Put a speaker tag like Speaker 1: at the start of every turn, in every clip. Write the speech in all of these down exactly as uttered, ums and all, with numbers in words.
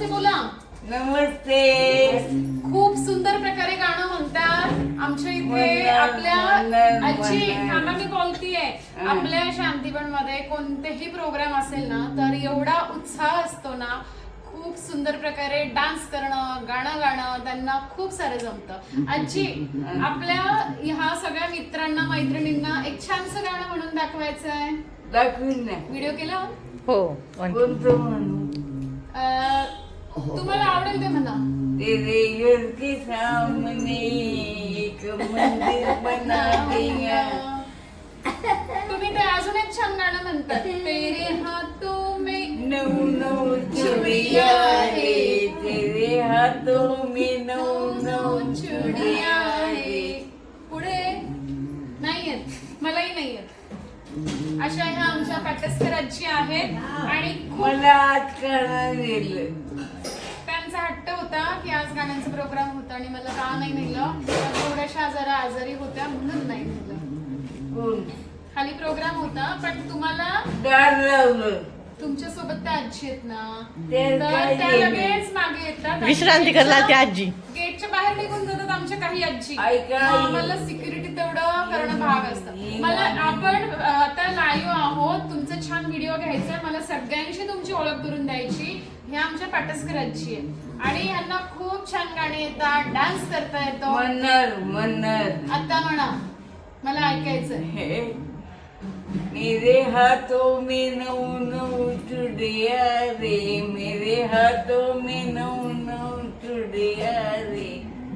Speaker 1: नमस्ते बोला.
Speaker 2: नमस्ते.
Speaker 1: खूप सुंदर प्रकारे गाणं म्हणतात आमच्या इथे.
Speaker 2: वंदन,
Speaker 1: आपल्या
Speaker 2: वंदन,
Speaker 1: आजी
Speaker 2: वंदन.
Speaker 1: काका मी बोलतीये, आपल्या शांतीबन मध्ये कोणतेही प्रोग्राम असेल ना तर एवढा उत्साह असतो ना. खूप सुंदर प्रकारे डान्स करणं, गाणं गाणं त्यांना खूप सारं जमतं. आजी, आपल्या ह्या सगळ्या मित्रांना मैत्रिणींना एक छानसं गाणं म्हणून दाखवायचं आहे.
Speaker 2: दाखवीन ना.
Speaker 1: व्हिडिओ केला
Speaker 3: हो.
Speaker 2: कोणतं म्हणू?
Speaker 1: अं, तुम्हाला आवडेल ते म्हणा.
Speaker 2: तेरे घर के सामने एक मंदिर बना देगा.
Speaker 1: तुम्ही ते अजून एक छान गाणं म्हणतात. तेरे हाथों में
Speaker 2: नऊ नऊ चुडिया रे, तेरे हाथों में नऊ नऊ चुडिया रे.
Speaker 1: पुढे नाही येत, मलाही नाही येत. अशा ह्या आमच्या पाटसकर आजी आहेत आणि खूप
Speaker 2: मला आज कळणार दिलं.
Speaker 1: त्यांचा हट्ट होता की आज गाण्यांचा प्रोग्राम होता आणि मला का नाही नेलं. थोड्याशा जरा आजारी होत्या म्हणून नाही नेलं.
Speaker 2: कोण?
Speaker 1: खाली प्रोग्राम होता पण तुम्हाला
Speaker 2: दार लावलं.
Speaker 1: तुमच्या सोबत त्या आजी आहेत ना,
Speaker 2: ते
Speaker 1: तर
Speaker 2: काय
Speaker 1: त्या
Speaker 2: केलं?
Speaker 1: लगेच मागे येतात.
Speaker 3: विश्रांती करला ती आजी.
Speaker 1: गेटच्या बाहेर निघून जातात आमच्या काही आजी.
Speaker 2: ऐका.
Speaker 1: आम्हाला सिक्युरिटी तेवढं करणं भाग असतं. मला आपण अ, आता लाईव्ह आहोत, तुमचा छान व्हिडिओ घ्यायचा, मला सगळ्यांशी तुमची ओळख करून द्यायची. हे आमच्या पाटसकर आजी आहे आणि यांना खूप छान गाणी येतात, डान्स करता येतो.
Speaker 2: म्हणणार म्हणणार.
Speaker 1: आता म्हणा, मला ऐकायचंय.
Speaker 2: हे मेरे हाथों में नौ नौ चुड़िया रे, मेरे हाथों में नौ नौ चुड़िया रे.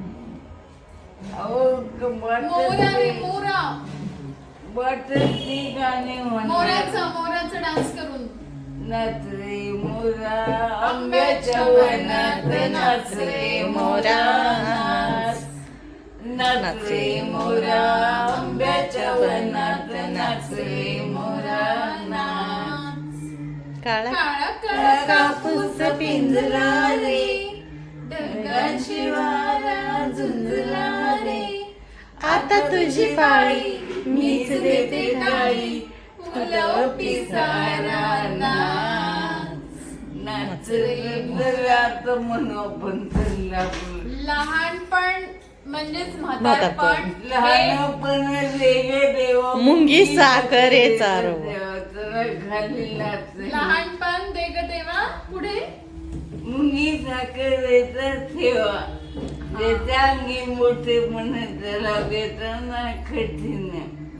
Speaker 2: अहो
Speaker 1: मोरा रे
Speaker 2: वाटत
Speaker 1: मोरा,
Speaker 2: वाटत ती गाणे म्हणणार.
Speaker 1: मोराचं मोराचं डान्स करून.
Speaker 2: नाच रे मोरा आंब्याच्या वनात, नाच रे मोरा नाच. नाच रे मोरा आंब्याच्या वनात, नाच रे मोरा नाच.
Speaker 3: काळा
Speaker 1: काळा काळा
Speaker 2: कापूस पिंजला रे, ढगाची वारा झुंजला रे.
Speaker 3: आता तुझी पाळी
Speaker 2: मीच देते काळी, फुलं पिसारा नाच. नाच रे जरा म्हणू आपण चला.
Speaker 1: लहानपण म्हणजेच म्हातारपण.
Speaker 3: म्हातारपण.
Speaker 1: हे
Speaker 2: लहानपण रे देवा
Speaker 3: मुंगी साखरेचा रवा.
Speaker 2: खाली नाच.
Speaker 1: लहानपण दे ग देवा. पुढे
Speaker 2: मुंगी साखरेचा ठेवा, त्याच्या अंगी मोठे म्हणत त्याला देताना कठीण.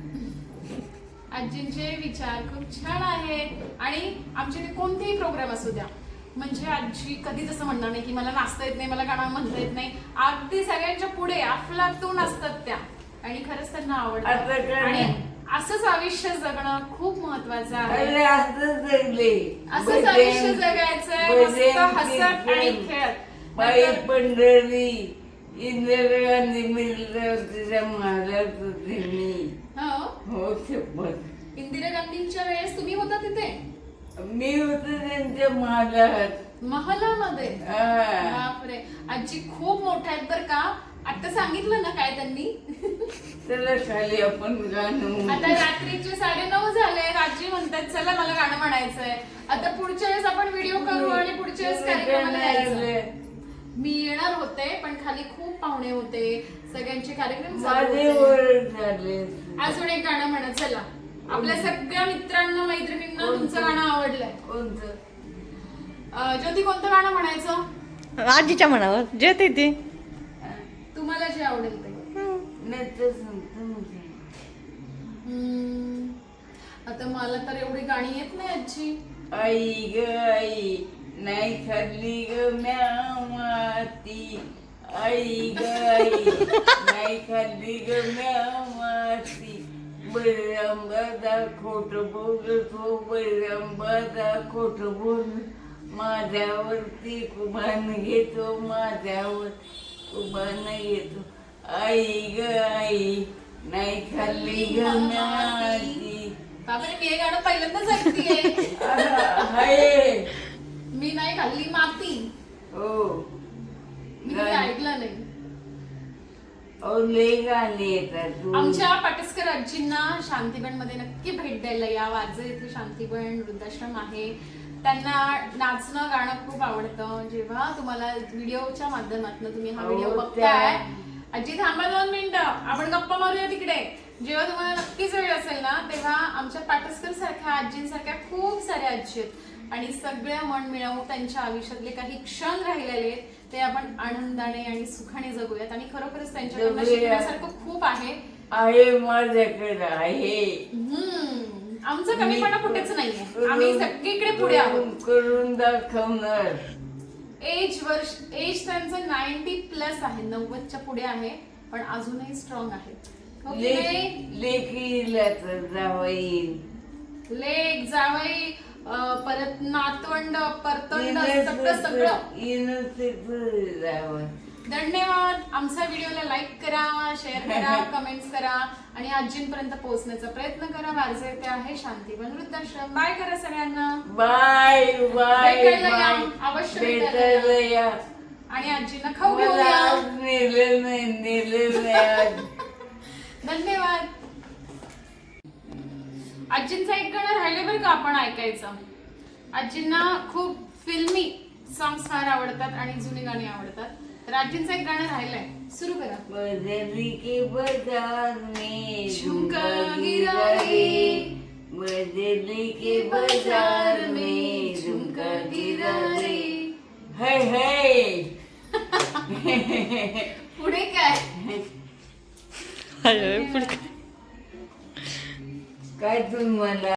Speaker 1: आजींचे विचार खूप छान आहेत आणि आमचे ते कोणतेही प्रोग्राम असू द्या, म्हणजे आजी कधीच असं म्हणणार नाही की मला नाचता येत नाही, मला गाणं म्हणता येत नाही. अगदी सगळ्यांच्या पुढे अफलातून असतात त्या आणि खरंच त्यांना
Speaker 2: आता
Speaker 1: आवडतं.
Speaker 2: काय?
Speaker 1: आणि असंच आयुष्य जगणं खूप महत्वाचं आहे.
Speaker 2: अरे असं जगले.
Speaker 1: असंच आयुष्य जगायचंय, मस्त हसत आणि खेळत.
Speaker 2: बाई
Speaker 1: नंतर-
Speaker 2: पंढरी इंदिरा गांधी मिळलं तिच्या महाराज होते मी.
Speaker 1: हो,
Speaker 2: हो शपथ.
Speaker 1: इंदिरा गांधींच्या वेळेस तुम्ही होता तिथे
Speaker 2: मी होते त्यांच्या महाराज.
Speaker 1: महालामध्ये.
Speaker 2: हा.
Speaker 1: बापरे, आजी खूप मोठ्या आहेत बर का. आता सांगितलं ना काय त्यांनी.
Speaker 2: चला खाली आपण गाणं म्हणू.
Speaker 1: आता रात्रीचे साडे नऊ झाले, आजी म्हणतात चला मला गाणं म्हणायचंय. आता पुढच्या वेळेस आपण व्हिडिओ करू आणि पुढच्या वेळेस कार्यक्रमाला जायचं. मी येणार होते पण खाली खूप पाहुणे होते, सगळ्यांचे कार्यक्रम चालू
Speaker 2: माझे
Speaker 1: होते.
Speaker 2: ओरड झाले.
Speaker 1: अजून एक गाणं म्हणा चला. आपल्या सगळ्या मित्रांना मैत्रिणींना तुमचं गाणं आवडलंय.
Speaker 2: कोणतं?
Speaker 1: अं, ज्योती कोणतं गाणं म्हणायचं?
Speaker 3: आजीच्या मनावर जे ते ते.
Speaker 1: तुम्हाला जे आवडेल ते.
Speaker 2: नाही तर सांगतो ना.
Speaker 1: हम्म, आता मला तर एवढी गाणी येत नाही आजी.
Speaker 2: आई ग आई नाही खाल्ली ग म्या माती. आई ग आई नाही खाल्ली ग म्या माती. बळीरांबादा खोट बोलत हो, बळीरांबादा खोट बोल. माझ्यावरती कुभान घेतो, माझ्यावर कुभान घेतो. आई ग आई नाही खाल्ली ग म्याती.
Speaker 1: बापरे, मी हे गाणं पहिल्यांदाच ऐकतेय.
Speaker 2: हाय.
Speaker 1: मी नाही खाल्ली माती.
Speaker 2: हो.
Speaker 1: मी कधी ऐकलं नाही.
Speaker 2: लय गाणे येतात तू.
Speaker 1: आमच्या पाटसकर आजींना शांतीबन मध्ये नक्की भेट द्यायला या. वारजे येथे शांतीबन वृद्धाश्रम आहे, त्यांना नाचणं गाणं खूप आवडतं. जेव्हा तुम्हाला व्हिडिओच्या माध्यमातून तुम्ही हा व्हिडिओ
Speaker 2: हो,
Speaker 1: बघताय, आजी थांबा दोन मिनिटं, आपण गप्पा मारूया तिकडे. जेव्हा तुम्हाला नक्कीच वेळ असेल ना, तेव्हा आमच्या पाटसकर सारख्या आजींसारख्या खूप साऱ्या आजी आहेत आणि सगळ्या मन मिळवून त्यांच्या आयुष्यातले काही क्षण राहिलेले ते आपण आनंदाने आणि सुखाने जगूयात. आणि खरोखरच त्यांच्याकडनं
Speaker 2: जगूया.
Speaker 1: शिकण्यासारखं खूप आहे.
Speaker 2: आहे माझ्याकडे आहे.
Speaker 1: हम्म. आमचं कमीपणा कुठेच नाहीये, आम्ही सगळीकडे पुढे आहोत.
Speaker 2: करून दाखवणार.
Speaker 1: एज वर्ष एज त्यांचं नाईन्टी प्लस आहे, नव्वदच्या पुढे आहे, पण अजूनही स्ट्रॉंग आहे. हो की नाही?
Speaker 2: लेकीला तर जावई
Speaker 1: लेक जावई अं, परत नातवंड परतंड सगळं सगळं.
Speaker 2: जावं.
Speaker 1: धन्यवाद. आमच्या व्हिडिओला लाईक करा, शेअर करा, कमेंट्स करा आणि आजींपर्यंत पोहोचण्याचा प्रयत्न करा. माझे ते आहे शांतीवन वृद्धाश्रम. बाय करा सगळ्यांना.
Speaker 2: बाय बाय
Speaker 1: भेटायला या.
Speaker 2: बाय.
Speaker 1: अवश्य भेटायला या.
Speaker 2: भेटायला या.
Speaker 1: आणि आजींना खाऊ
Speaker 2: मला
Speaker 1: घेऊया.
Speaker 2: आज नेलं नाही नेलं नाही आज.
Speaker 1: धन्यवाद. आजींचं एक गाणं राहिलं बरं का आपण ऐकायचं. आजींना खूप फिल्मी सॉंग्स फार आवडतात आणि जुनी गाणी आवडतात. तर आजींचं एक गाणं राहिलंय, सुरू करा.
Speaker 2: बदली के बाजार में
Speaker 1: झुमका गिरा रे,
Speaker 2: बदली के बाजार में झुमका गिरा रे. है है.
Speaker 1: पुढे काय?
Speaker 3: अरे, पुढे
Speaker 2: काय तुम्हाला